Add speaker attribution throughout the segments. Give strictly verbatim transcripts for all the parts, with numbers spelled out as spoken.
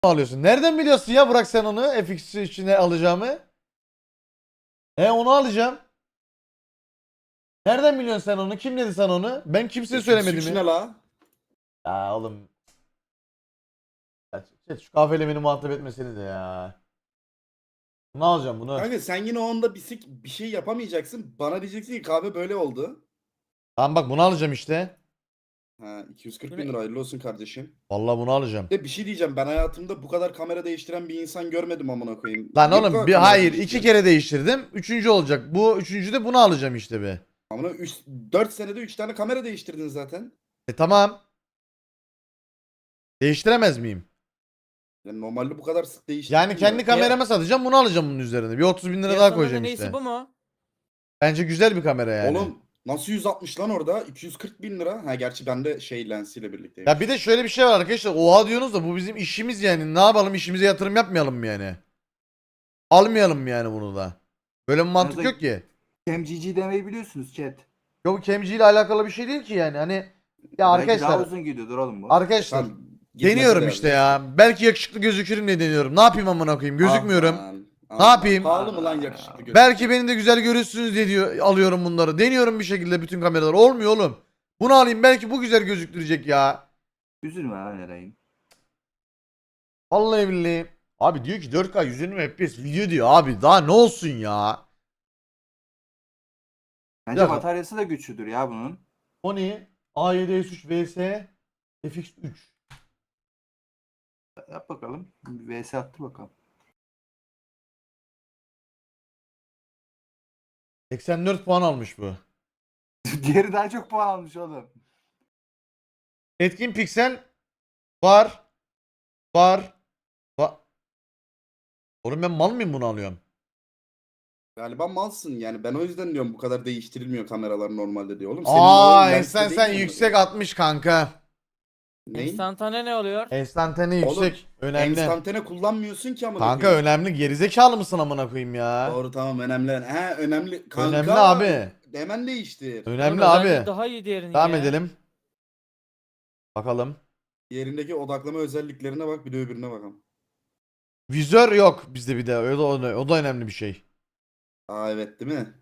Speaker 1: alıyorsun. Nereden biliyorsun ya Burak sen onu F X içine alacağımı? E onu alacağım. Nereden biliyorsun sen onu? Kim dedi sana onu? Ben kimseye söylemedim
Speaker 2: Üç
Speaker 1: mi?
Speaker 2: ne la?
Speaker 1: Ya oğlum. Ya, chat, şu kahveyle beni muhatap etmeseniz de ya. Ne alacağım bunu?
Speaker 2: Kanka sen yine o anda bir, sik- bir şey yapamayacaksın. Bana diyeceksin ki kahve böyle oldu.
Speaker 1: Tamam bak bunu alacağım işte.
Speaker 2: Ha iki yüz kırk bin lira hayırlı olsun kardeşim.
Speaker 1: Vallahi bunu alacağım.
Speaker 2: De bir şey diyeceğim, ben hayatımda bu kadar kamera değiştiren bir insan görmedim amına koyayım.
Speaker 1: Lan
Speaker 2: Niye bu
Speaker 1: oğlum
Speaker 2: kadar
Speaker 1: bir
Speaker 2: kamera
Speaker 1: hayır iki
Speaker 2: değiştiriyorsun?
Speaker 1: kere değiştirdim. Üçüncü olacak. Bu üçüncü de bunu alacağım işte be.
Speaker 2: Amına dört senede üç tane kamera değiştirdin zaten.
Speaker 1: E tamam. Değiştiremez miyim?
Speaker 2: Yani normalde bu kadar sık değiştirmiyor.
Speaker 1: Yani kendi kameramı satacağım bunu alacağım bunun üzerine. Bir otuz bin lira daha koyacağım
Speaker 3: neyse
Speaker 1: işte.
Speaker 3: bu mu?
Speaker 1: Bence güzel bir kamera yani.
Speaker 2: Oğlum nasıl yüz altmış lan orada? iki yüz kırk bin lira. Ha gerçi bende şey lensiyle birlikteymiş.
Speaker 1: Ya bir de şöyle bir şey var arkadaşlar. Oha diyorsunuz da bu bizim işimiz yani. Ne yapalım, işimize yatırım yapmayalım mı yani? Almayalım mı yani bunu da? Böyle bir mantık
Speaker 4: Arada-
Speaker 1: yok ki.
Speaker 4: Cam demeyi biliyorsunuz chat.
Speaker 1: Yok bu Kemci ile alakalı bir şey değil ki yani. Hani ya
Speaker 4: Belki daha
Speaker 1: arkadaşlar
Speaker 4: uzun gidiyordur oğlum bu.
Speaker 1: arkadaşlar
Speaker 2: Tamam, gitmesi
Speaker 1: deniyorum
Speaker 2: de
Speaker 1: işte
Speaker 2: yani.
Speaker 1: ya. Belki yakışıklı gözükürüm diye deniyorum. Ne yapayım amına koyayım? Gözükmüyorum.
Speaker 2: Aman,
Speaker 1: Ne
Speaker 2: aman.
Speaker 1: yapayım?
Speaker 2: Pahalı mı lan yakışıklı gözüküyor?
Speaker 1: Belki beni de güzel görürsünüz diye diyor, alıyorum bunları. Deniyorum bir şekilde bütün kameralar. Olmuyor oğlum. Bunu alayım belki bu güzel gözüktürecek ya.
Speaker 4: Üzülme lan Eray'ım.
Speaker 1: Vallahi billahi. Abi diyor ki dört K yüz yirmi F P S video diyor abi. Daha ne olsun ya?
Speaker 4: Bence
Speaker 1: dakika.
Speaker 4: bataryası da güçlüdür ya bunun.
Speaker 1: Sony A yedi S üç vs F X üç.
Speaker 4: Yap bakalım. Bir V S attı bakalım.
Speaker 1: seksen dört puan almış bu.
Speaker 4: Diğeri daha çok puan almış oğlum.
Speaker 1: Etkin piksel var. Var. Var. Oğlum ben mal mıyım bunu alıyorum?
Speaker 2: Galiba malsın yani, ben o yüzden diyorum bu kadar değiştirilmiyor kameralar normalde diyor oğlum.
Speaker 1: Aa
Speaker 2: olayın lensle
Speaker 1: sen
Speaker 2: değil
Speaker 1: sen
Speaker 2: mi?
Speaker 1: yüksek atmış kanka.
Speaker 2: Neyin?
Speaker 3: Enstantane ne oluyor?
Speaker 1: Enstantane
Speaker 2: Oğlum,
Speaker 1: yüksek. Önemli.
Speaker 2: Enstantane kullanmıyorsun ki ama.
Speaker 1: Kanka önemli. Gerizekalı mısın amına koyayım ya?
Speaker 2: Doğru tamam önemli. He önemli. Kanka,
Speaker 1: Önemli abi.
Speaker 2: Hemen değiştir.
Speaker 1: Önemli
Speaker 3: Oğlum,
Speaker 1: abi.
Speaker 3: özelliği Daha iyi diğerinin
Speaker 1: Devam
Speaker 3: ya.
Speaker 1: edelim. Bakalım.
Speaker 2: Yerindeki odaklama özelliklerine bak, bir de öbürüne bakalım.
Speaker 1: Vizör yok bizde bir de. O da, o da, o da önemli bir şey.
Speaker 2: Aa evet değil mi?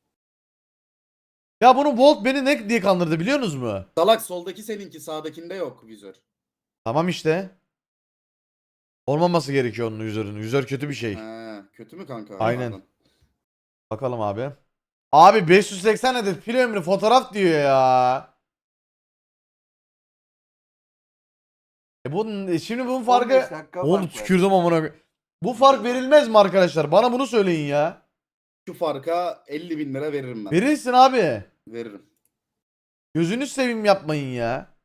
Speaker 1: Ya bunu Volt beni ne diye kandırdı biliyor musunuz mu?
Speaker 2: Salak soldaki seninki, sağdakinde yok vizör.
Speaker 1: Tamam işte. Olmaması gerekiyor onun vizörünün. Vizör kötü bir şey.
Speaker 2: Ha, kötü mü kanka?
Speaker 1: Aynen.
Speaker 2: Pardon.
Speaker 1: Bakalım abi. Abi beş yüz seksen adet pil ömrü fotoğraf diyor ya. E bunun, şimdi bunun
Speaker 4: on beş
Speaker 1: farkı...
Speaker 4: dakika
Speaker 1: Oğlum
Speaker 4: fark var.
Speaker 1: tükürdüm amına koyayım. Bu fark verilmez mi arkadaşlar? Bana bunu söyleyin ya.
Speaker 2: Şu farka elli bin lira veririm ben.
Speaker 1: Verirsin abi.
Speaker 2: Veririm.
Speaker 1: Gözünü seveyim yapmayın ya.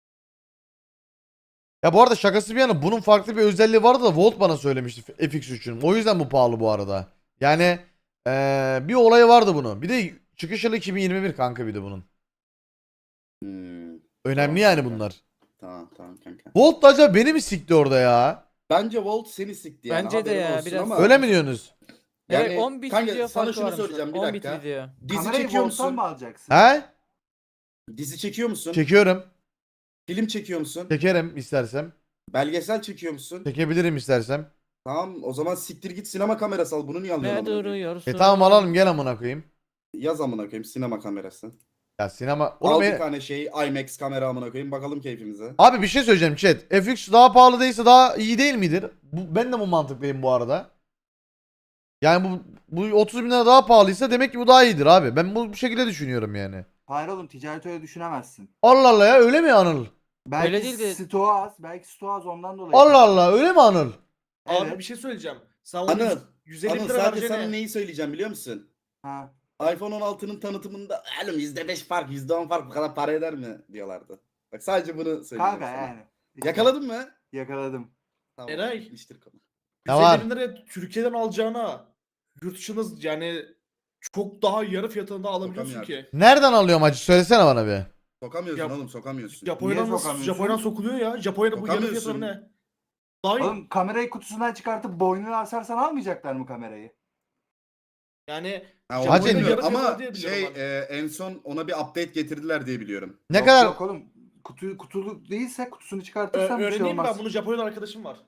Speaker 1: Ya bu arada şakası bir yana bunun farklı bir özelliği vardı da Volt bana söylemişti F X üçün. O yüzden bu pahalı bu arada. Yani eee, bir olayı vardı bunun. Bir de çıkış yılı iki bin yirmi bir kanka bir de bunun.
Speaker 2: Hmm.
Speaker 1: Önemli
Speaker 2: Tamam
Speaker 1: yani
Speaker 2: kanka.
Speaker 1: bunlar.
Speaker 2: Tamam tamam kanka.
Speaker 1: Volt da acaba beni mi sikti orada ya?
Speaker 2: Bence Volt seni sikti yani.
Speaker 3: Bence de
Speaker 2: haberin
Speaker 3: ya,
Speaker 2: olsun
Speaker 3: biraz-
Speaker 2: ama.
Speaker 1: Öyle mi diyorsunuz?
Speaker 2: Yani
Speaker 3: Evet on bit
Speaker 2: kanka
Speaker 3: video
Speaker 2: sana
Speaker 3: farkı
Speaker 2: şunu
Speaker 3: varmış.
Speaker 2: soracağım bir
Speaker 3: on bit
Speaker 2: dakika.
Speaker 3: video.
Speaker 2: Dizi
Speaker 4: Kamerayı
Speaker 2: çekiyor
Speaker 4: Volt'tan
Speaker 2: musun?
Speaker 4: mı alacaksın?
Speaker 1: He?
Speaker 2: Dizi çekiyor musun?
Speaker 1: Çekiyorum.
Speaker 2: Film çekiyor musun?
Speaker 1: Çekerim istersem.
Speaker 2: Belgesel çekiyor musun?
Speaker 1: Çekebilirim istersem.
Speaker 2: Tamam o zaman siktir git sinema kamerası al. Bunu niye alıyorsun
Speaker 3: Ne
Speaker 2: amına koyayım?
Speaker 3: duruyorsun?
Speaker 1: E tamam alalım gel amına koyayım.
Speaker 2: Yaz amına koyayım sinema kamerası.
Speaker 1: Ya sinema...
Speaker 2: Al
Speaker 1: Oğlum
Speaker 2: bir
Speaker 1: e-
Speaker 2: tane şey IMAX kamera amına koyayım, bakalım keyfimize.
Speaker 1: Abi bir şey söyleyeceğim chat. F X daha pahalı değilse daha iyi değil midir? Bu, ben de bu mantıklıyım bu arada. Yani bu, bu otuz bin lira daha pahalıysa demek ki bu daha iyidir abi. Ben bu, bu şekilde düşünüyorum yani.
Speaker 4: Hayır oğlum, ticaret öyle düşünemezsin.
Speaker 1: Allah Allah ya öyle mi Anıl?
Speaker 4: Belki
Speaker 3: Öyle değil de-
Speaker 4: stoğu az. Belki stoğu az ondan dolayı.
Speaker 1: Allah Allah öyle mi Anıl?
Speaker 5: Abi
Speaker 4: Evet.
Speaker 5: bir şey söyleyeceğim. Sen onu
Speaker 2: Anıl,
Speaker 5: yüz elli
Speaker 2: Anıl
Speaker 5: lira
Speaker 2: sadece sana
Speaker 5: vereceğine.
Speaker 2: neyi söyleyeceğim biliyor musun?
Speaker 4: Ha.
Speaker 2: iPhone on altının tanıtımında oğlum yüzde beş fark, yüzde on fark bu kadar para eder mi diyorlardı. Bak sadece bunu söyleyeceğim
Speaker 4: Kanka
Speaker 2: sana.
Speaker 4: yani.
Speaker 2: Yakaladın mı?
Speaker 4: Yakaladım.
Speaker 2: Tamam.
Speaker 5: Eray.
Speaker 2: iştir konu.
Speaker 1: Ne
Speaker 5: yüz
Speaker 1: var?
Speaker 5: elli bin liraya Türkiye'den alacağına yurt dışında yani çok daha yarı fiyatında alabiliyorsun
Speaker 2: Sokamıyor.
Speaker 5: ki.
Speaker 1: Nereden alıyorum acı söylesene bana bir.
Speaker 2: Sokamıyorsun
Speaker 5: Yap-
Speaker 2: oğlum, sokamıyorsun.
Speaker 5: Japonya'dan
Speaker 4: Niye
Speaker 5: nasıl
Speaker 4: sokamıyorsun?
Speaker 5: Japonya'dan sokuluyor ya. Japonya'da bu yarı
Speaker 2: Sokamıyorsun.
Speaker 5: fiyatları ne? Daha iyi.
Speaker 4: Oğlum kamerayı kutusundan çıkartıp boynuna asarsan almayacaklar mı kamerayı?
Speaker 5: Yani
Speaker 2: Ha,
Speaker 1: Hacı-
Speaker 2: onu bilmiyorum
Speaker 5: yarı fiyatı
Speaker 2: ama
Speaker 5: diye biliyorum
Speaker 2: şey
Speaker 5: ben.
Speaker 2: e, en son ona bir update getirdiler diye biliyorum.
Speaker 1: Ne
Speaker 4: Yok,
Speaker 1: kadar
Speaker 4: Yok oğlum. Kutu, kutulu değilse kutusunu
Speaker 5: Ö-
Speaker 4: çıkartırsan bir şey
Speaker 5: öğreneyim
Speaker 4: olmaz.
Speaker 5: ben, bunu Japonya'da arkadaşım var.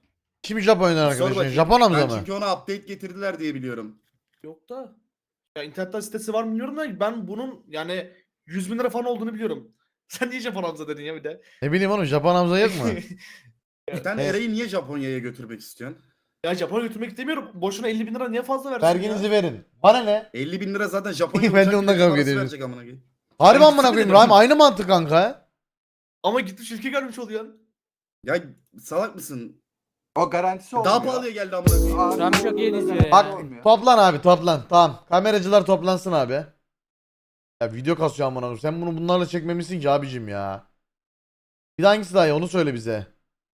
Speaker 1: Kim Japonya'dan
Speaker 2: Sor
Speaker 1: arkadaşın?
Speaker 2: bakayım.
Speaker 1: Japon Hamza
Speaker 2: Ben
Speaker 1: mı?
Speaker 2: çünkü ona update getirdiler diye biliyorum.
Speaker 5: Yok da. Ya internetten sitesi var mı bilmiyorum da ben bunun yani yüz bin lira falan olduğunu biliyorum. Sen niye Japon Hamza dedin ya bir de?
Speaker 1: Ne bileyim oğlum Japon Hamza yok mu?
Speaker 2: Sen
Speaker 1: Evet.
Speaker 2: Eray'ı niye Japonya'ya götürmek istiyorsun?
Speaker 5: Ya Japon'a götürmek istemiyorum. Boşuna elli bin lira niye fazla versin
Speaker 1: Verginizi
Speaker 5: ya?
Speaker 1: verin. Bana ne?
Speaker 2: elli bin lira zaten Japonya
Speaker 1: Ben de
Speaker 2: uçak
Speaker 1: ondan
Speaker 2: bileti
Speaker 1: kavga
Speaker 2: parası
Speaker 1: ediyorum.
Speaker 2: verecek amına koyayım.
Speaker 1: Harbi
Speaker 2: Ben
Speaker 1: amına
Speaker 2: gitsene
Speaker 1: koyayım
Speaker 2: dedim.
Speaker 1: Rahim aynı mantık kanka.
Speaker 5: Ama gitmiş ülke görmüş oluyorsun.
Speaker 2: Ya salak mısın?
Speaker 4: O garantisi olmuyor.
Speaker 2: Daha pahalıya geldi amına koyayım.
Speaker 4: Abi,
Speaker 3: Şu an çok iyi izliyor ya.
Speaker 1: Bak
Speaker 4: olmuyor.
Speaker 1: toplan abi toplan. Tamam. Kameracılar toplansın abi. Ya video kasıyor amına koyayım. Sen bunu bunlarla çekmemişsin ki abicim ya. Bir de hangisi daha iyi onu söyle bize.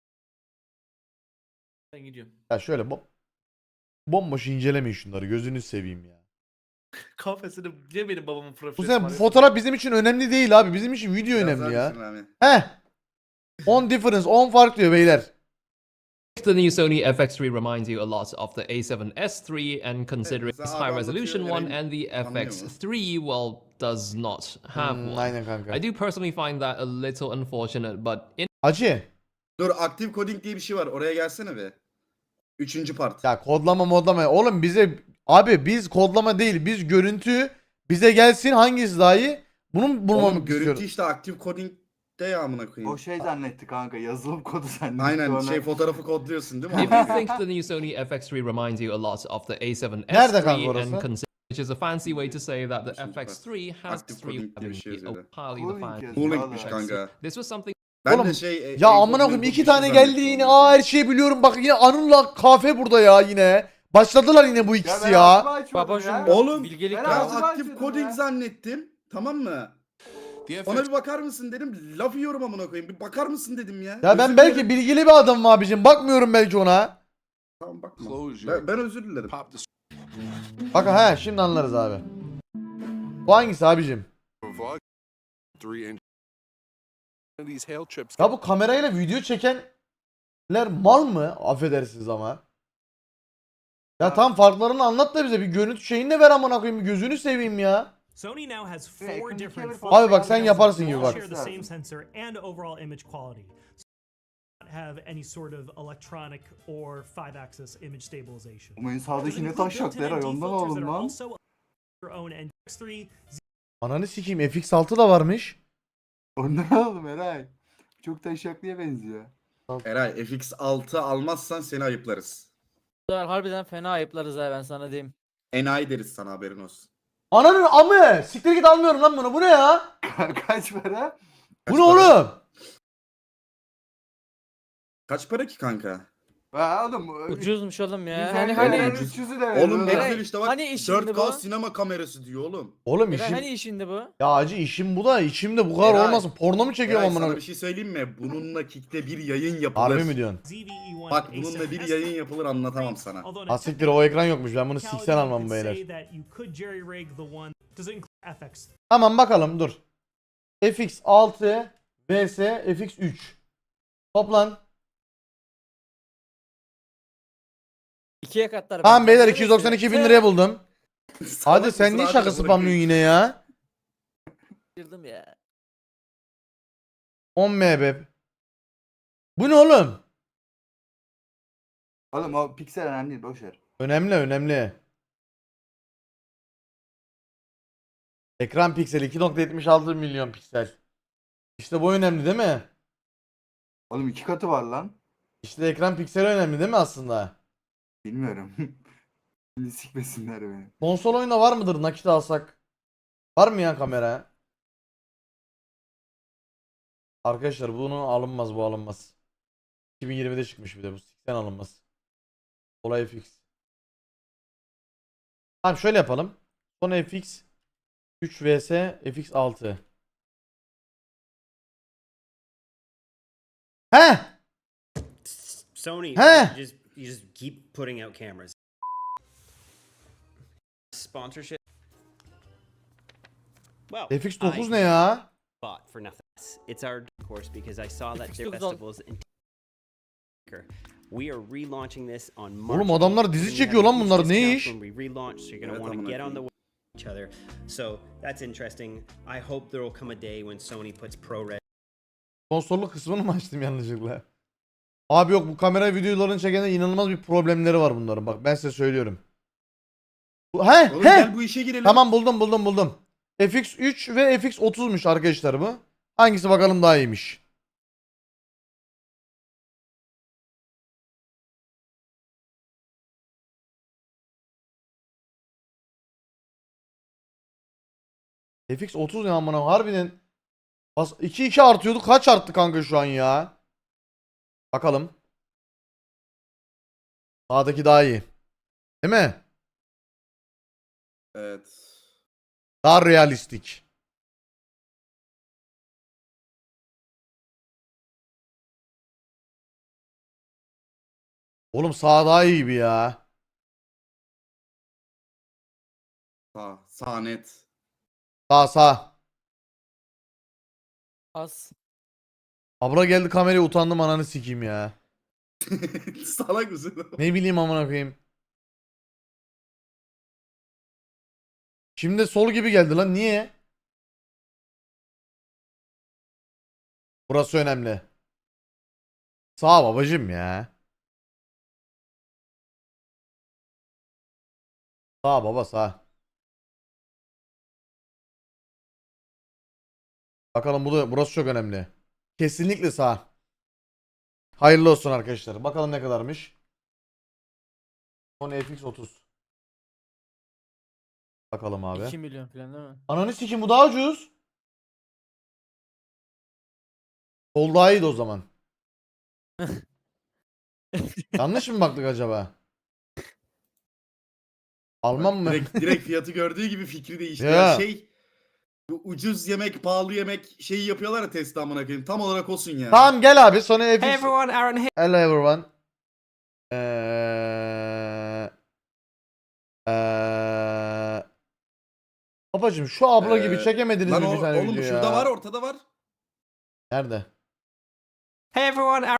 Speaker 5: Ben gidiyorum.
Speaker 1: Ya şöyle bom bomboş incelemeyin şunları gözünü seveyim ya.
Speaker 5: Kafesini niye benim babamın
Speaker 1: Bu
Speaker 5: profili?
Speaker 1: sene bu fotoğraf bizim için önemli değil abi. Bizim için video
Speaker 2: Biraz
Speaker 1: önemli
Speaker 2: daha
Speaker 1: ya.
Speaker 2: düşün abi.
Speaker 1: Heh. on difference, on fark diyor beyler.
Speaker 6: The new Sony F X three reminds you a lot of the A seven S three, and considering
Speaker 2: mesela
Speaker 6: its
Speaker 2: abi
Speaker 6: high resolution
Speaker 2: anlatıyor,
Speaker 6: one
Speaker 2: Eren
Speaker 6: and the
Speaker 2: anlıyor
Speaker 6: F X
Speaker 2: mu?
Speaker 6: three, well, does not have
Speaker 1: Hmm,
Speaker 6: one.
Speaker 1: aynen kanka.
Speaker 6: I do personally find that a little unfortunate, but in
Speaker 1: Acı.
Speaker 2: Dur active coding diye bir şey var. Oraya gelsene be. Üçüncü part.
Speaker 1: Ya kodlama modlama. Oğlum bize abi biz kodlama değil biz görüntü bize gelsin hangisi daha iyi? Bunu
Speaker 2: Oğlum
Speaker 1: bulmamı
Speaker 2: görüntü
Speaker 1: istiyorum.
Speaker 2: işte active coding de ya amına koyayım.
Speaker 4: O şey zannetti kanka. Yazılım kodu zannetti.
Speaker 2: Aynen
Speaker 4: ona.
Speaker 2: şey fotoğrafı kodluyorsun değil mi?
Speaker 6: if you think the new Sony F X three reminds you a lot of the A seven
Speaker 1: Nerede
Speaker 6: S
Speaker 1: kanka
Speaker 6: three,
Speaker 1: orası?
Speaker 6: and consider which is a fancy way to say that the
Speaker 2: Üçüncü
Speaker 6: F X three has
Speaker 2: Active
Speaker 6: three
Speaker 2: coding diye bir şey yazıyor.
Speaker 6: highly
Speaker 4: Cooling
Speaker 6: defined.
Speaker 4: yazıyor.
Speaker 2: Cooling'miş
Speaker 4: Vallahi.
Speaker 2: kanka.
Speaker 6: This was something
Speaker 2: Ben
Speaker 1: Oğlum,
Speaker 2: de şey e,
Speaker 1: Ya
Speaker 2: encode
Speaker 1: amına koyayım
Speaker 2: mecode
Speaker 1: iki
Speaker 2: bir şey
Speaker 1: tane geldi
Speaker 2: zannettim
Speaker 1: yine.
Speaker 2: amına
Speaker 1: Aa her
Speaker 2: koyayım.
Speaker 1: şeyi biliyorum. Bak yine Anıl'la kafe burada ya yine. Başladılar yine bu
Speaker 4: Ya
Speaker 1: ikisi
Speaker 4: ben
Speaker 1: ya.
Speaker 4: ağzımı açmadım
Speaker 3: Babacım,
Speaker 4: ya.
Speaker 2: Oğlum
Speaker 3: bilgelik
Speaker 4: Ben
Speaker 2: ben
Speaker 4: ağzımı
Speaker 2: active
Speaker 4: açmadım
Speaker 2: coding
Speaker 4: ya.
Speaker 2: zannettim. Tamam mı? Ona bir bakar mısın dedim. Laf yiyorum amına koyayım. Bir bakar mısın dedim ya.
Speaker 1: Ya ben
Speaker 2: Özür
Speaker 1: belki
Speaker 2: dilerim.
Speaker 1: bilgili bir adamım abicim. Bakmıyorum belki ona.
Speaker 2: Tamam bakma.
Speaker 7: Close
Speaker 2: Ben,
Speaker 7: your
Speaker 2: ben özür dilerim.
Speaker 7: pop the
Speaker 1: Bakın he şimdi anlarız abi. Bu hangisi abicim?
Speaker 7: vlog three inch. These hail chips.
Speaker 1: Ya bu kamerayla video çekenler mal mı? Affedersiniz ama. Ya tam farklarını anlat da bize bir görüntü şeyini de ver amına koyayım. Bir gözünü seveyim ya.
Speaker 8: Sony now has
Speaker 4: Yeah,
Speaker 8: four
Speaker 4: can you
Speaker 8: different
Speaker 4: give it-
Speaker 8: photo
Speaker 1: Abi bak sen
Speaker 8: cameras
Speaker 1: yaparsın
Speaker 8: that
Speaker 1: gibi
Speaker 8: all
Speaker 1: bak.
Speaker 8: share the same sensor and overall image quality. Not have any sort of electronic or five axis image stabilization.
Speaker 4: Ama en
Speaker 8: Does
Speaker 4: sağdaki ne
Speaker 8: include
Speaker 4: taş yok
Speaker 8: built-in
Speaker 4: Leray
Speaker 8: N D
Speaker 4: ondan
Speaker 8: filters that
Speaker 4: oğlum
Speaker 8: are
Speaker 4: lan.
Speaker 8: also your own N X three,
Speaker 1: Ananı sikeyim F X altı da varmış.
Speaker 4: Ondan oğlum Eray. Çok taşaklıya benziyor.
Speaker 2: Eray F X altı almazsan seni ayıplarız.
Speaker 3: harbiden fena ayıplarız ha, ben sana diyeyim.
Speaker 2: Enayi deriz sana haberin olsun.
Speaker 1: Ananın amı. Siktir git almıyorum lan bunu. Bu ne ya?
Speaker 4: Kaç para?
Speaker 1: Bu
Speaker 2: Kaç
Speaker 1: ne
Speaker 2: para?
Speaker 1: oğlum?
Speaker 2: Kaç para ki kanka?
Speaker 4: Ha oğlum.
Speaker 3: Ucuzmuş oğlum ya.
Speaker 4: Hani
Speaker 3: Hani
Speaker 4: hani
Speaker 3: hani
Speaker 2: ucuz.
Speaker 4: üç yüzü de
Speaker 2: Oğlum ne
Speaker 4: veriyorlar.
Speaker 2: güzel işte bak
Speaker 3: Hani işindi
Speaker 2: dört K
Speaker 3: bu?
Speaker 2: sinema kamerası diyor oğlum.
Speaker 1: Oğlum
Speaker 3: Eray,
Speaker 1: işim...
Speaker 3: hani işinde bu?
Speaker 1: Ya acı işim bu da içimde bu kadar
Speaker 2: Eray,
Speaker 1: olmasın. Porno mu çekiyorum
Speaker 2: Eray
Speaker 1: amına
Speaker 2: sana bir
Speaker 1: koyayım?
Speaker 2: şey söyleyeyim mi? Bununla Kick'te bir yayın yapılır.
Speaker 1: Harbi mi diyorsun?
Speaker 8: Z V E one
Speaker 2: Bak
Speaker 8: A
Speaker 2: bununla
Speaker 8: seven
Speaker 2: bir
Speaker 8: S
Speaker 2: yayın yapılır anlatamam sana.
Speaker 8: Although
Speaker 1: Ha siktir o ekran yokmuş. Ben bunu
Speaker 8: technicality,
Speaker 1: siksen
Speaker 8: you
Speaker 1: almam
Speaker 8: could
Speaker 1: beyler.
Speaker 8: say that you could jerry-rig the one. Does it include F X?
Speaker 1: Tamam bakalım dur. F X altı vs F X üç. Toplan.
Speaker 3: İkiye katlar.
Speaker 1: Tamam
Speaker 3: bence.
Speaker 1: beyler
Speaker 3: Neresi?
Speaker 1: iki yüz doksan iki bin liraya buldum. Hadi
Speaker 2: Salak
Speaker 1: sen
Speaker 2: mısın
Speaker 1: niye
Speaker 2: abi
Speaker 1: şaka
Speaker 2: amına
Speaker 1: spamlıyorsun
Speaker 2: koyayım?
Speaker 1: yine ya?
Speaker 3: Girdim ya.
Speaker 1: on megabit. Bu ne oğlum?
Speaker 4: Oğlum o piksel önemli değil boşver.
Speaker 1: Önemli önemli. Ekran pikseli iki nokta yetmiş altı milyon piksel. İşte bu önemli değil mi?
Speaker 4: Oğlum iki katı var lan.
Speaker 1: İşte ekran pikseli önemli değil mi aslında?
Speaker 4: Bilmiyorum. Şimdi sikmesinler beni.
Speaker 1: Konsol oyunda var mıdır nakit alsak? Var mı ya kamera? Arkadaşlar bunu alınmaz bu alınmaz. iki bin yirmide çıkmış bir de bu seksen alınmaz. Olay F X. Tamam şöyle yapalım. Son F X üç vs F X altı. He!
Speaker 9: Sony,
Speaker 1: Huh?
Speaker 9: just you just keep putting out cameras. Sponsorship. Well,
Speaker 1: F X dokuz
Speaker 9: I
Speaker 1: ne ya?
Speaker 9: bought for nothing. It's our course because I saw that
Speaker 3: F X
Speaker 9: their
Speaker 3: dokuz al.
Speaker 9: festivals in. We are relaunching this on March.
Speaker 1: Oğlum adamlar dizi
Speaker 9: eighth, and we
Speaker 1: çekiyor
Speaker 9: have
Speaker 1: lan
Speaker 9: huge
Speaker 1: bunlar, ne
Speaker 9: discounts
Speaker 1: iş?
Speaker 9: When we relaunch, so you're gonna
Speaker 2: Evet,
Speaker 9: want to
Speaker 2: amına
Speaker 9: get on the
Speaker 2: koyayım.
Speaker 9: way each other. So that's interesting. I hope there will come a day when Sony puts ProRes
Speaker 1: Konsolluk kısmını mı açtım yanlışlıkla? Abi yok, bu kamera videolarını çekende inanılmaz bir problemleri var bunların. Bak ben size söylüyorum. Bu- He
Speaker 2: Oğlum
Speaker 1: he.
Speaker 2: gel bu işe girelim.
Speaker 1: Tamam, buldum buldum buldum. F X üç ve F X otuzmuş arkadaşlar bu. Hangisi bakalım daha iyiymiş? F X otuz ne amına harbiden. Bas iki iki artıyordu. Kaç arttı kanka şu an ya? Bakalım. Sağdaki daha iyi. Değil mi?
Speaker 2: Evet.
Speaker 1: Daha realistik. Oğlum sağ daha iyi gibi ya.
Speaker 2: Sağ, sağ net.
Speaker 1: Sağ sağ.
Speaker 3: Az.
Speaker 1: Abla geldi kameraya, utandım ananı sikeyim ya.
Speaker 2: Salak mısın?
Speaker 1: Ne bileyim amına koyayım. Şimdi sol gibi geldi lan, niye? Burası önemli. Sağ babacım ya. Sağ baba sağ. Bakalım, bu da, burası çok önemli. Kesinlikle sağ. Hayırlı olsun arkadaşlar. Bakalım ne kadarmış. Sony F X otuz. Bakalım abi.
Speaker 3: iki milyon falan değil mi?
Speaker 1: Ananı sikim, bu daha ucuz. Sol daha iyiydi o zaman. Yanlış mı baktık acaba? Alman mı?
Speaker 2: Direkt, direkt fiyatı gördüğü gibi fikri değişti.
Speaker 1: Ya.
Speaker 2: Ya şey, bu ucuz yemek, pahalı yemek şeyi yapıyorlar ya Tesla amına koyayım. Tam olarak olsun ya.
Speaker 1: Tamam gel abi, Sony F X.
Speaker 6: Hey everyone, Aaron here.
Speaker 1: Hello everyone. Eee... Eee... Babacım şu abla gibi
Speaker 2: Ee,
Speaker 1: çekemediniz
Speaker 2: Lan
Speaker 1: mi
Speaker 2: o,
Speaker 1: bir tane
Speaker 2: oğlum
Speaker 1: video
Speaker 2: şurada
Speaker 1: ya?
Speaker 2: var, ortada var.
Speaker 1: Nerede?
Speaker 6: Hey everyone, Aaron.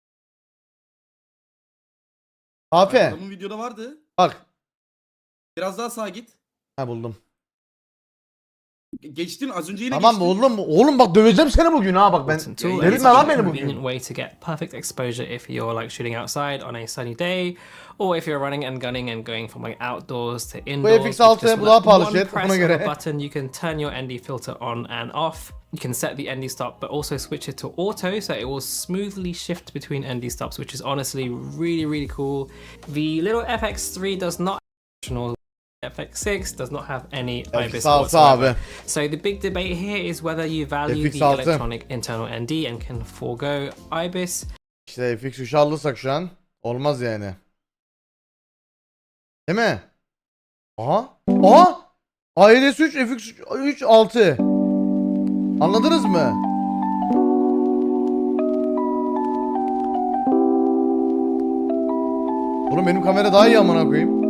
Speaker 1: Afe.
Speaker 2: Adamın videoda vardı.
Speaker 1: Bak.
Speaker 2: Biraz daha sağa git.
Speaker 1: Ha buldum.
Speaker 2: Ge- Geçtin az önce yine
Speaker 1: Tamam
Speaker 2: geçtin.
Speaker 1: oğlum. Oğlum bak döveceğim seni bugün ha bak ben.
Speaker 6: Important tool,
Speaker 2: Yeah,
Speaker 6: and
Speaker 1: Delirtme
Speaker 6: it's
Speaker 1: lan
Speaker 6: a
Speaker 1: beni
Speaker 6: convenient
Speaker 1: bugün.
Speaker 6: way to get perfect exposure if you're like shooting outside on a sunny day, or if you're running and gunning and going from like outdoors to indoors.
Speaker 1: F X
Speaker 6: with
Speaker 1: altı,
Speaker 6: just
Speaker 1: bu daha
Speaker 6: like
Speaker 1: pahalı
Speaker 6: one
Speaker 1: chat,
Speaker 6: press
Speaker 1: buna
Speaker 6: of
Speaker 1: göre.
Speaker 6: a button, you can turn your N D filter on and off. You can set the N D stop, but also switch it to auto, so it will smoothly shift between N D stops, which is honestly really, really cool. The little F X three does not have F X six does not have any
Speaker 1: F X
Speaker 6: IBIS
Speaker 1: altı
Speaker 6: whatsoever.
Speaker 1: abi.
Speaker 6: So the big debate here is whether you value
Speaker 1: F X
Speaker 6: the
Speaker 1: altı.
Speaker 6: electronic internal N D and can forego IBIS.
Speaker 1: İşte F X üçü alırsak şu an olmaz yani. Değil mi? Aha. Aha. A L S üç F X üç altı. Anladınız mı? Oğlum benim kamera daha iyi amına koyayım.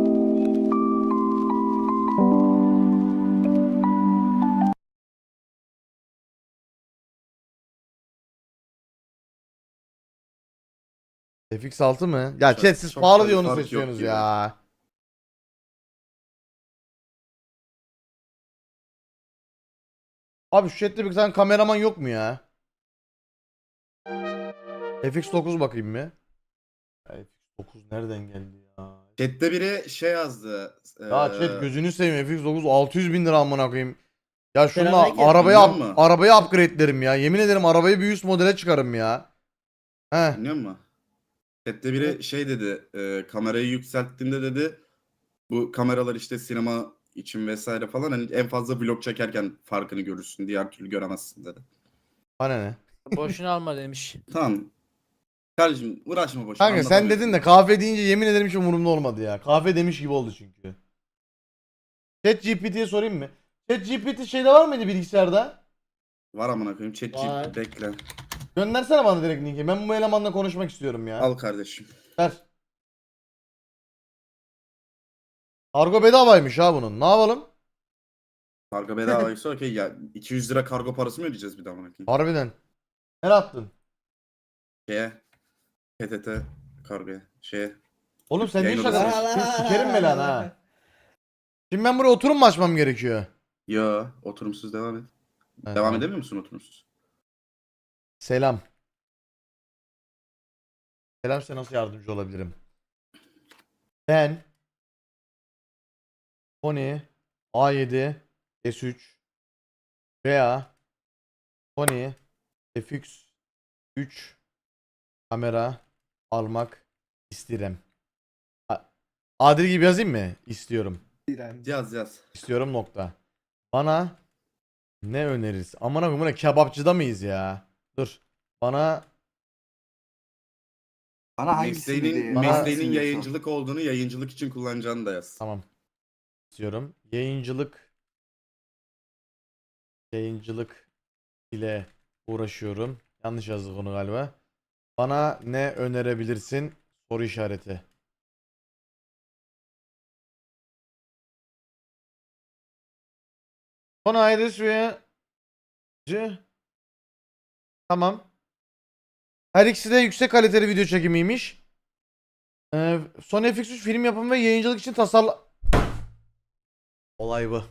Speaker 1: F X altı mı? Ya
Speaker 2: Çok-
Speaker 1: chat siz
Speaker 2: çok
Speaker 1: pahalı
Speaker 2: da
Speaker 1: diye
Speaker 2: bir
Speaker 1: onu
Speaker 2: fark yok
Speaker 1: seçiyorsunuz
Speaker 2: gibi.
Speaker 1: ya. Abi şu chatte bir tane kameraman yok mu ya? F X dokuz bakayım mı? F X dokuz nereden geldi ya?
Speaker 2: Chat'te biri şey yazdı.
Speaker 1: Ya
Speaker 2: eee,
Speaker 1: chat gözünü seveyim, F X dokuz altı yüz bin lira amına koyayım. Ya şunla
Speaker 3: Selamünaleyküm.
Speaker 1: arabayı
Speaker 2: Biliyor
Speaker 1: up,
Speaker 2: musun?
Speaker 1: arabayı upgrade'lerim ya. Yemin ederim arabayı bir üst modele çıkarım ya. He.
Speaker 2: Dinliyor musun? Chat'te biri şey dedi. eee, kamerayı yükselttiğinde dedi. Bu kameralar işte sinema için vesaire falan hani en fazla vlog çekerken farkını görürsün. Diğer türlü göremezsin dedi.
Speaker 1: Bana ne?
Speaker 3: Boşuna alma demiş.
Speaker 2: Tamam. Kardeşim uğraşma boşuna.
Speaker 1: Kanka sen dedin de kahve deyince yemin ederim hiç umurumda olmadı ya. Kahve demiş gibi oldu çünkü. Chat G P T'ye sorayım mı? Chat G P T şeyde var mıydı bilgisayarda?
Speaker 2: Var amına koyayım. Chat
Speaker 3: Var.
Speaker 2: G P T bekle.
Speaker 1: Göndersene bana direkt linki. Ben bu elemanla konuşmak istiyorum ya.
Speaker 2: Al kardeşim.
Speaker 1: Ver. Kargo bedavaymış ha bunun. Ne yapalım?
Speaker 2: Kargo bedavaysa okey ya. iki yüz lira kargo parası mı ödeyeceğiz bir daha amına koyayım?
Speaker 1: Harbiden. Nereye attın?
Speaker 2: Şeye. P T T kargoya. Şeye.
Speaker 1: Oğlum sen ne
Speaker 2: Yayın
Speaker 1: iş
Speaker 2: odası.
Speaker 1: adamısın? Seni sikerim mi lan ha? Şimdi ben buraya oturum mu açmam gerekiyor?
Speaker 2: Yo, oturumsuz devam et.
Speaker 1: Ha,
Speaker 2: Devam
Speaker 1: tamam.
Speaker 2: edemiyor musun oturumsuz?
Speaker 1: Selam. Selam, size nasıl yardımcı olabilirim? Ben Sony A yedi S üç veya Sony F X üç kamera almak isterim. A- Adil gibi yazayım mı? İstiyorum.
Speaker 2: Yaz yaz.
Speaker 1: İstiyorum nokta. Bana ne öneririz? Aman akım, bu ne, kebapçıda mıyız ya? Dur. Bana
Speaker 4: Bana hangisini
Speaker 2: Mesleğinin,
Speaker 4: diye-
Speaker 1: Bana-
Speaker 2: mesleğinin
Speaker 4: hangisini diye sor.
Speaker 2: yayıncılık olduğunu, yayıncılık için kullanacağını da yaz.
Speaker 1: tamam. İstiyorum. Yayıncılık yayıncılık ile uğraşıyorum. Yanlış yazdık onu galiba. Bana ne önerebilirsin? Soru işareti. Son ayrı suya C. Tamam. Her ikisi de yüksek kaliteli video çekimiymiş. Ee, Sony F X üç film yapımı ve yayıncılık için tasarla... Olay bu.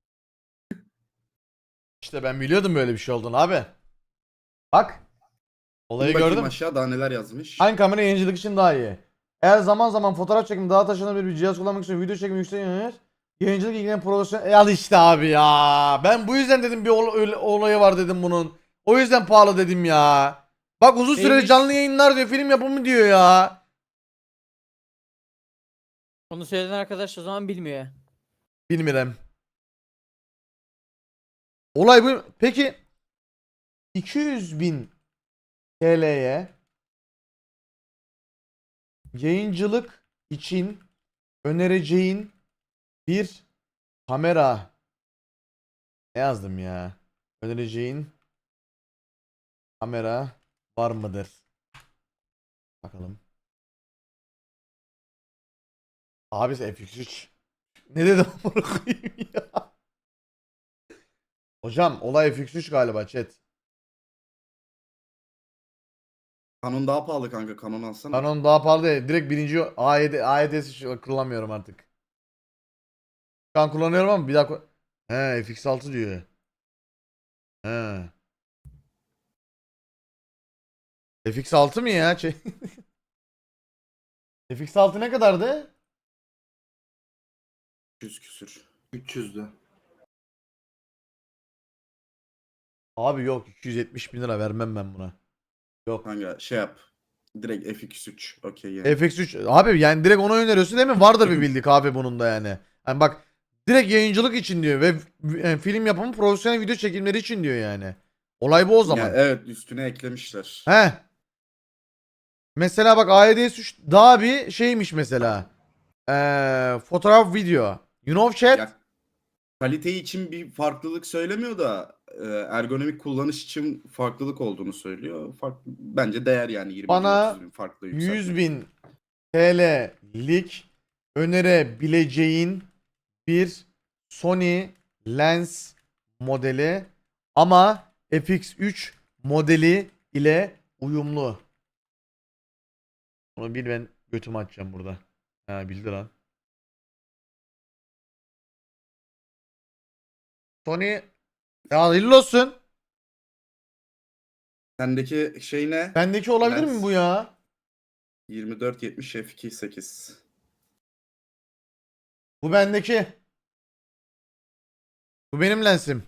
Speaker 1: İşte ben biliyordum böyle bir şey olduğunu abi. Bak. Olayı
Speaker 2: Bir bakayım
Speaker 1: gördüm.
Speaker 2: aşağı daha neler yazmış.
Speaker 1: Hangi kamera yayıncılık için daha iyi? Eğer zaman zaman fotoğraf çekimi daha taşınabilir bir cihaz kullanmak için video çekimi yüksek yönelir. Yayıncılık ilgilenen profesyonel... E al işte abi ya. Ben bu yüzden dedim bir ol- öyle- olayı var dedim bunun. O yüzden pahalı dedim ya. Bak uzun süreli
Speaker 3: Neymiş?
Speaker 1: canlı yayınlar diyor, film yapımı diyor ya.
Speaker 3: Onu söyleyen arkadaş o zaman bilmiyor.
Speaker 1: Bilmiyorum. Olay bu. Peki iki yüz bin T L'ye yayıncılık için önereceğin bir kamera, ne yazdım ya? Önereceğin kamera var mıdır? Bakalım. Abi F X üç. Ne dedim bunu koyayım ya? Hocam olay F X üç galiba chat.
Speaker 2: Canon daha pahalı kanka. Canon alsana.
Speaker 1: Canon daha pahalı değil. Direkt birinci A yedi A yedi S kullanmıyorum artık. Şu an kullanıyorum ama bir daha ko- He F X altı diyor. He. F X altı mı ya? Şey- F X altı ne kadardı?
Speaker 2: yüz küsür.
Speaker 4: üç yüzdü.
Speaker 1: Abi yok, iki yüz yetmiş bin lira vermem ben buna. Yok.
Speaker 2: Kanka şey yap. Direkt F X üç. Okey yani.
Speaker 1: F X üç abi, yani direkt ona öneriyorsun değil mi? Vardır bir bildik abi bunun da yani. Hani bak, direkt yayıncılık için diyor ve e, film yapımı, profesyonel video çekimleri için diyor yani. Olay bu o zaman.
Speaker 2: Ya evet, üstüne eklemişler.
Speaker 1: He. Mesela bak A Y D S üç daha bir şeymiş mesela. Ee, fotoğraf video. You know chat?
Speaker 2: Ya, kalite için bir farklılık söylemiyor da e, ergonomik kullanış için farklılık olduğunu söylüyor. Farklı, bence değer yani yirmi bin,
Speaker 1: Bana
Speaker 2: otuz bin farklı
Speaker 1: yüz
Speaker 2: yükseltmek.
Speaker 1: bin T L'lik önerebileceğin bir Sony lens modeli ama F X üç modeli ile uyumlu. Onu bil, ben götümü açacağım burada. Ha, bildi lan. Sony ya hayırlı olsun.
Speaker 2: Sendeki şey ne?
Speaker 1: Bendeki olabilir
Speaker 2: Lens.
Speaker 1: mi bu ya?
Speaker 2: yirmi dört yetmiş f iki sekiz.
Speaker 1: Bu bendeki. Bu benim lensim.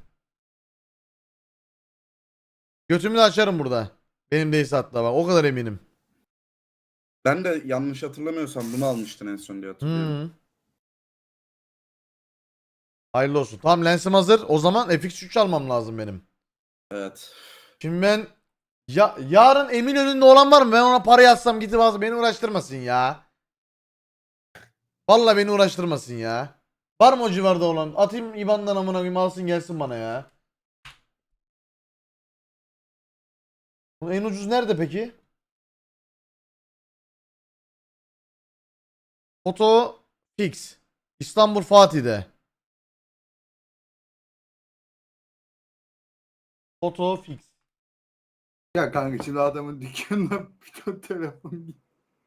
Speaker 1: Götümü de açarım burada. Benim değilse hatta, bak o kadar eminim.
Speaker 2: Ben de yanlış hatırlamıyorsam bunu almıştın en son diye hatırlıyorum.
Speaker 1: Hı. Hayırlı olsun. Tamam, lensim hazır. O zaman F X üç almam lazım benim.
Speaker 2: Evet.
Speaker 1: Şimdi ben ya yarın Eminönü'nde olan var mı? Ben ona para yazsam gidip alsam, beni uğraştırmasın ya. Vallahi beni uğraştırmasın ya. Var mı o civarda olan? Atayım I B A N'dan, amına koyayım, alsın gelsin bana ya. Bu en ucuz nerede peki? Foto Fix. İstanbul Fatih'de. Foto Fix.
Speaker 4: Ya kanka şimdi adamın dükkanına bir ton telefon gitti.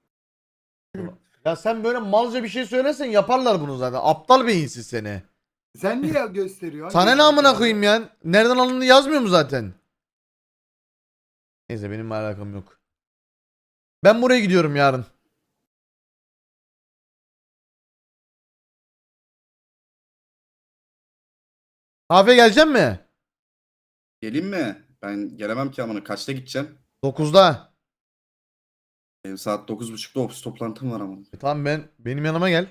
Speaker 1: Ya sen böyle malca bir şey söylesen yaparlar bunu zaten. Aptal beyinsiz seni.
Speaker 4: Sen niye gösteriyorsun?
Speaker 1: Sana ne amına koyayım ya? Nereden alındığını yazmıyor mu zaten? Neyse, benim alakam yok. Ben buraya gidiyorum yarın. Kahve gelecek mi?
Speaker 2: Geleyim mi? Ben gelemem ki amına. Kaçta gideceğim?
Speaker 1: dokuzda.
Speaker 2: Benim saat dokuz buçukta ofis toplantım var ama.
Speaker 1: E tamam ben benim yanıma gel.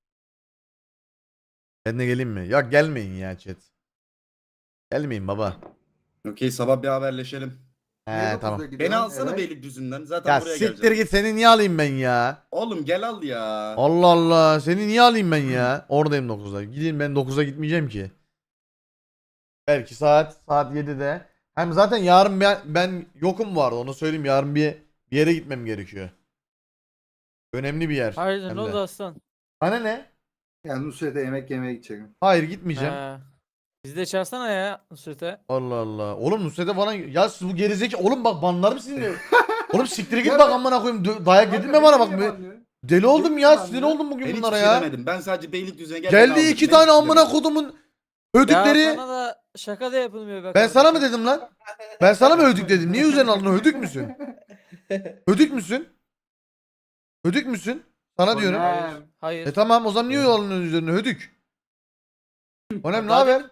Speaker 1: Ben de geleyim mi? Ya gelmeyin ya chat. Gelmeyin baba.
Speaker 2: Okey, sabah bir haberleşelim.
Speaker 4: Niye
Speaker 1: He
Speaker 4: dokuzda
Speaker 1: tamam.
Speaker 2: Beni
Speaker 4: gidiyorsun?
Speaker 2: alsana
Speaker 4: Evet.
Speaker 2: Beylikdüzü'nden. Zaten
Speaker 1: Ya
Speaker 2: buraya
Speaker 1: siktir
Speaker 2: geleceğim.
Speaker 1: git, seni niye alayım ben ya?
Speaker 2: Oğlum gel al ya.
Speaker 1: Allah Allah, seni niye alayım ben ya? Oradayım dokuzda. Gideyim, ben dokuzda gitmeyeceğim ki. Belki saat saat yedide. Hem zaten yarın ben, ben yokum bu arada, onu söyleyeyim, yarın bir, bir yere gitmem gerekiyor. Önemli bir yer.
Speaker 3: Hayırdır
Speaker 1: hem
Speaker 3: ne
Speaker 1: de.
Speaker 3: oldu aslan?
Speaker 1: Sana ne?
Speaker 4: Yani Nusret'e yemek yemeye gideceğim.
Speaker 1: Hayır gitmeyeceğim.
Speaker 3: He. Bizi de çağırsana ya Nusret'e.
Speaker 1: Allah Allah. Oğlum Nusret'e falan ya siz bu gerizekalı oğlum bak banlarım sizi. Oğlum siktir git
Speaker 4: Ya
Speaker 1: bak
Speaker 4: ben-
Speaker 1: amına koyayım. Dö- Dayak
Speaker 4: Kanka,
Speaker 1: yedirme bana
Speaker 4: beni
Speaker 1: bak.
Speaker 4: niye
Speaker 1: be.
Speaker 4: banlıyor?
Speaker 1: Deli oldum
Speaker 4: Yedim
Speaker 1: ya.
Speaker 4: ben
Speaker 1: Sinir
Speaker 4: ya.
Speaker 1: oldum bugün
Speaker 2: Ben hiçbir
Speaker 1: bunlara
Speaker 2: şey
Speaker 1: ya.
Speaker 2: demedim. Ben sadece Beylikdüzü'ne gel. beni
Speaker 1: Geldi
Speaker 2: al
Speaker 1: iki
Speaker 2: dedim.
Speaker 1: tane
Speaker 2: Ne
Speaker 1: amına
Speaker 2: dedim?
Speaker 1: kodumun
Speaker 3: Ya
Speaker 1: hödükleri.
Speaker 3: sana da şaka da yapılmıyor be
Speaker 1: Ben sana mı
Speaker 3: kardeşim.
Speaker 1: dedim lan? Ben sana mı hödük dedim? Niye üzerine aldın? Hödük müsün? Hödük müsün? Hödük müsün? Sana diyorum.
Speaker 3: Hayır. Hayır.
Speaker 1: E tamam, o zaman niye alın üzerine hödük? Onem ne
Speaker 3: Daha
Speaker 1: haber?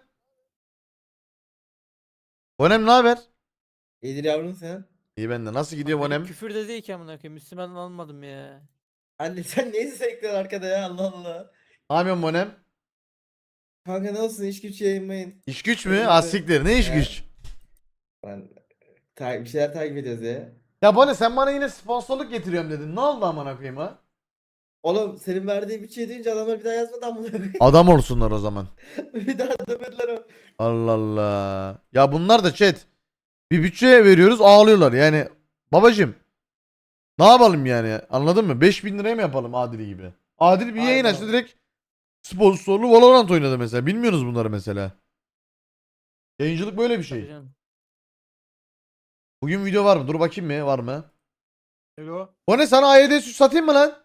Speaker 1: Onem ne haber?
Speaker 10: İyidir yavrum sen.
Speaker 1: İyi bende. Nasıl gidiyor
Speaker 3: Benim
Speaker 1: Onem?
Speaker 3: küfür de değil ki amına koyayım. Müslüman almadım ya.
Speaker 10: Anne sen neyse sekliyorsun arkada ya Allah Allah.
Speaker 1: Ne yapıyorsun Onem?
Speaker 10: Kanka nasılsın iş güç yayınlayın.
Speaker 1: İş güç mü?
Speaker 10: Evet.
Speaker 1: Az siktir. Ne iş
Speaker 10: Evet.
Speaker 1: güç?
Speaker 10: Ben ta- bir şeyler takip ediyoruz ya.
Speaker 1: Ya Bone, sen bana yine sponsorluk getiriyorum dedin. Ne oldu amına koyayım ha?
Speaker 10: Oğlum senin verdiğin bütçeyi duyunca adamlar bir daha yazmadı amına koyayım.
Speaker 1: Adam olsunlar o zaman.
Speaker 10: Bir daha demediler o.
Speaker 1: Allah Allah. Ya bunlar da chat. Bir bütçeye veriyoruz, ağlıyorlar. Yani babacım, ne yapalım yani? Anladın mı? beş bin liraya mı yapalım Adil gibi? Adil bir yayın
Speaker 10: Aynen.
Speaker 1: açtı, direkt sponsorlu Valorant oynadı mesela. Bilmiyorsunuz bunları mesela. Yayıncılık böyle bir
Speaker 3: Tabii
Speaker 1: şey.
Speaker 3: canım.
Speaker 1: Bugün video var mı? Dur bakayım mı? Var mı?
Speaker 5: Hello.
Speaker 1: O ne, sana A Y D süt satayım mı lan?